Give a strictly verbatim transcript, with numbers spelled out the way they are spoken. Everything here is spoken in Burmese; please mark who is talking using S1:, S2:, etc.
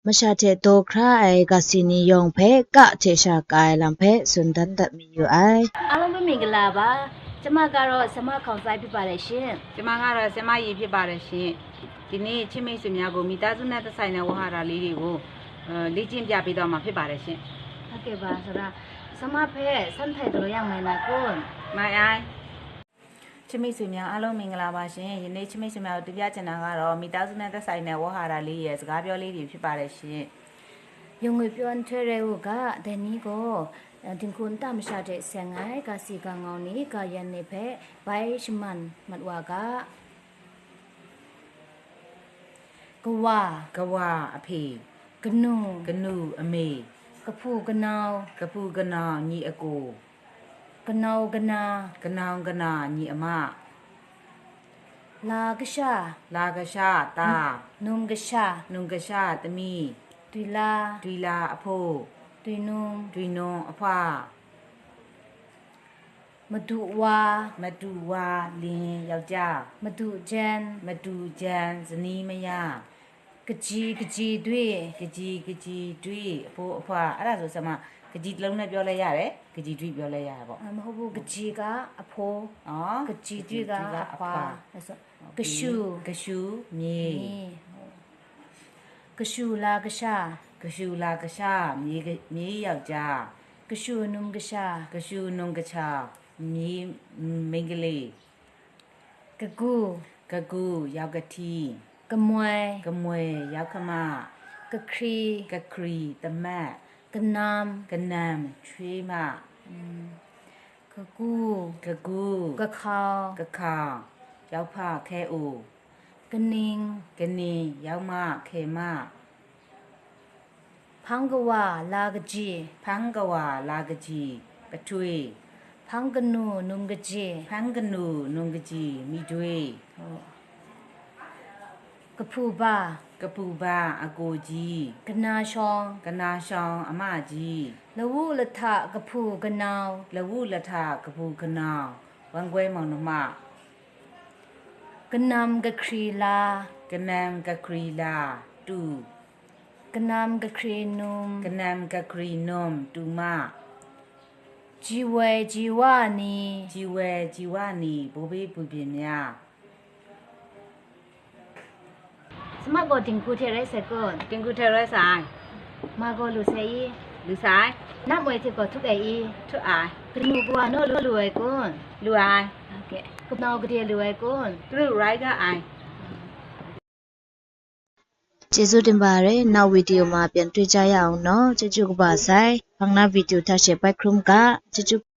S1: Mashate do cry gasini yong pe ka chesha kai lampe sundan dat mi yu ai.
S2: အားလုံးပဲမင်္ဂလာပါကျမကတော့ဆမခေါင်ဆိုင်ဖြစ်ပါတယ်ရှင်
S3: ကျမကတော့ဆမရီဖြစ်ပါတယ်ရှင်ဒီနေ့ချစ်မိတ်ဆွေများကိုမိသားစုနဲ့သက်ဆိုင်တဲ့ဝဟာရလေးတွေကိုအဲလေ့ကျင့်ပြပေးတော့မှာဖြစ်ပါတယ်ရှင်
S2: ဟုတ်ကဲ့ပါဆိုတော့ဆမဖဲစမ်းထိုက်တို့ရောက်မယ်လားကို
S3: မိုင်အိုင်ချစ်မိတ်ဆွေများအားလုံးမင်္ဂလာပါရှင်ယနေ့ချစ်မိတ်ဆွေများကိုတင်ပြချင်တာကတော့မိသားစုနဲ့သက်ဆိုင်တဲ့ဝဟာရလေးရဲ့စကားပြောလေးတွေဖြစ်ပါတယ်ရှင်
S2: ယုံငွေပြောင်းထွဲရဲဟုကဒနီကိုတင်ကွန်တမရှာတဲ့ဆန်ငိုင်းကစီကငောင်းနီကယန်နေဖဲဘိုင်ရှမန်မတ်ဝါကကဝါ
S3: ကဝအဖေ
S2: ကနု
S3: ကနုအမေ
S2: ကဖူကနောင်
S3: ကပူကနောင်ညီအကို
S2: ကနောကနာ
S3: ကနောင်ကနာညီအမ
S2: လာကရှာ
S3: လာကရှာတာ
S2: နုံကရှာ
S3: နုံကရှာသမီး
S2: တွီလာ
S3: ဒွီလာအဖိုး
S2: တွီနုံ
S3: ဒွီနွန်အဖွာ
S2: မဒူဝါ
S3: မတူဝါလင်းယောက်ျား
S2: မဒူဂျန်
S3: မတူကြံဇနီးမယ
S2: ကကြီးကကြီးတွေ
S3: ကကြီးကကြီးတွေးအဖိုးအဖွာအဲ့ဒါဆိုဆမကကြီးတစ်လုံးနဲ့ပြောလဲရတယ်ကကြီးတွေးပြောလဲရတယ်ပေါ့
S2: မဟုတ်ဘူးကကြီးကအဖိုး
S3: နော်
S2: ကကြီးတွေကအဖွာအဲ့ဆိုကရှူ
S3: ကရှူမြေ
S2: ကရှူလာကရှာ
S3: ကရှူလာကရှာမြေမြေယောက်ျား
S2: ကရှူနုံကရှာ
S3: ကရှူနုံကချာမြေမိန်းကလေး
S2: ကကူ
S3: ကကူယောက်ကတိ
S2: ကမွဲ
S3: ကမွေယောက်ခမ
S2: ကခရီ
S3: ကခရီတမတ်
S2: ကနမ်
S3: ကနမ်ချွေးမ
S2: ကကူ
S3: ကကူ
S2: ကခေါ
S3: ကခေါယောက်ဖခဲအို
S2: ကနင်း
S3: ကနင်းယောက်မခေမ
S2: ဖန်ကဝါလာကကြီး
S3: ဖန်းကဝါလာကကြီးပထွေး
S2: ဖန်ကနုနုံကကြီး
S3: ဖန်းကနုနုံကကြီးမိတွေး
S2: ကဖူပါ
S3: ကပူပါအကိုကြီး
S2: ကနာရှောင်း
S3: ကနာရှောင်းအမကြီး
S2: လဝုလထကဖူကနောင်
S3: လဝုလထကပူကနောင်ဝမ်ကွဲမောင်နှမ
S2: ကနမ်ကခရီလာ
S3: ကနမ်ကခရီလာတူ
S2: ကနမ်ကခရီနုံ
S3: ကနမ်ကခရီနုံတူမ
S2: ជីဝဲជីဝနီ
S3: ជីဝဲជីဝနီဘိုးဘေးပူပြင်းများ
S2: สมัครก็ติงกูเทไรเสกุน
S3: တင်ကူထဲရဲဆိုင်
S2: มาก็ลุเซอี
S3: လူဆိုင်
S2: นับไว้ที่ก็ทุกไออี
S3: ထွတ်အိုင်
S2: กนูบัวโนลุลุไอกุน
S3: လူအိုင်
S2: โอเคกุนาวกะเดียลุไอกุน
S3: သူတို့ rider အိုင်
S1: ကျေးဇူးတင်ပါတယ်နောက်ဗီဒီယိုမှာပြန်တွေ့ကြရအောင်เนาะကျေးဇူးကပါဆိုင်ဖန်နာဗီဒီယိုထားရှယ်ပိုက်ခရုံကကျေးဇူး